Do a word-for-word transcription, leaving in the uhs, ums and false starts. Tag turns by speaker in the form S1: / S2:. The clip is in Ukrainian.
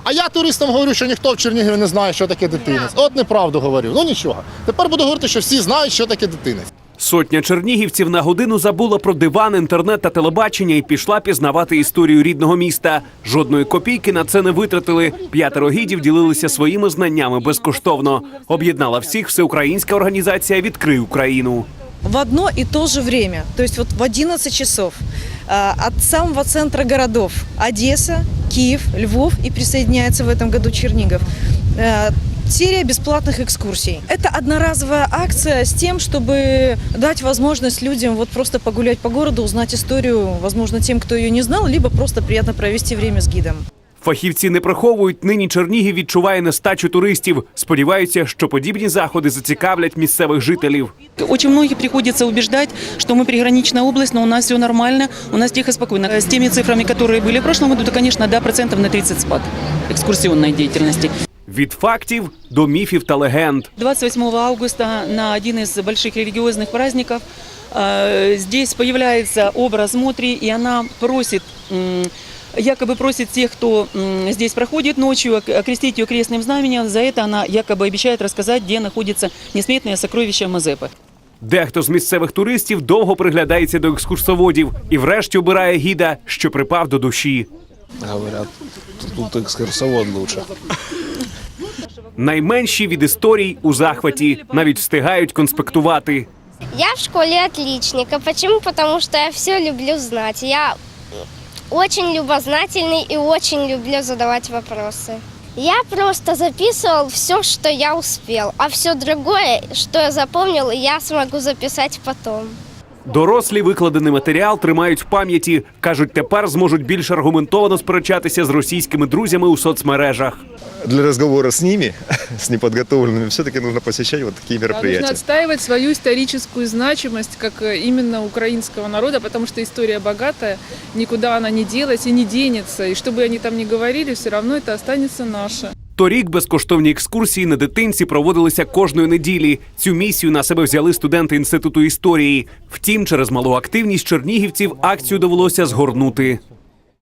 S1: А я туристам говорю, що ніхто в Чернігові не знає, що таке дитинець. От неправду говорю. Ну нічого. Тепер буду говорити, що всі знають, що таке дитинець.
S2: Сотня чернігівців на годину забула про диван, інтернет та телебачення і пішла пізнавати історію рідного міста. Жодної копійки на це не витратили. П'ятеро гідів ділилися своїми знаннями безкоштовно. Об'єднала всіх всеукраїнська організація «Відкрий Україну».
S3: В одно и то же время, то есть вот в одиннадцать часов от самого центра городов Одесса, Киев, Львов и присоединяется в этом году Чернигов. Серия бесплатных экскурсий. Это одноразовая акция с тем, чтобы дать возможность людям вот просто погулять по городу, узнать историю, возможно, тем, кто ее не знал, либо просто приятно провести время с гидом.
S2: Фахівці не приховують, нині Чернігів відчуває нестачу туристів. Сподіваються, що подібні заходи зацікавлять місцевих жителів.
S4: Очень многих приходится убеждать, что мы приграничная область, но у нас все нормально, у нас тихо, спокойно. С теми цифрами, которые были в прошлом году, то, конечно, да, процентов на тридцать спад экскурсионной деятельности.
S2: Від фактів до міфів та легенд.
S4: двадцать восьмого августа на один из больших религиозных праздников э, здесь появляется образ Мотри, и она просит, э, якобы просит тех, кто э, здесь проходит ночью, окрестить ее крестным знаменем. За это она якобы обещает рассказать, где находится несметное сокровище Мазепы.
S2: Дехто з місцевих туристів довго приглядається до екскурсоводів і врешті обирає гіда, що припав до душі.
S5: Говорят, тут екскурсовод лучше.
S2: Найменші від історій у захваті, навіть встигають конспектувати.
S6: Я в школе отличник. А почему? Потому что я все люблю знать. Я очень любознательный и очень люблю задавать вопросы. Я просто записывал все, что я успел, а все другое, что я запомнил, я смогу записать потом.
S2: Дорослі викладений матеріал тримають в пам'яті. Кажуть, тепер зможуть більш аргументовано сперечатися з російськими друзями у соцмережах.
S7: Для разговора с ними, с неподготовленными, все-таки нужно посещать вот такие мероприятия.
S8: Нужно отстаивать свою историческую значимость, как именно украинского народа, потому что история богатая, никуда она не делась и не денется. И что бы они там ни говорили, все равно это останется наше.
S2: Торік безкоштовні екскурсії на дитинці проводилися кожної неділі. Цю місію на себе взяли студенти Інституту історії. Втім, через малу активність чернігівців акцію довелося згорнути.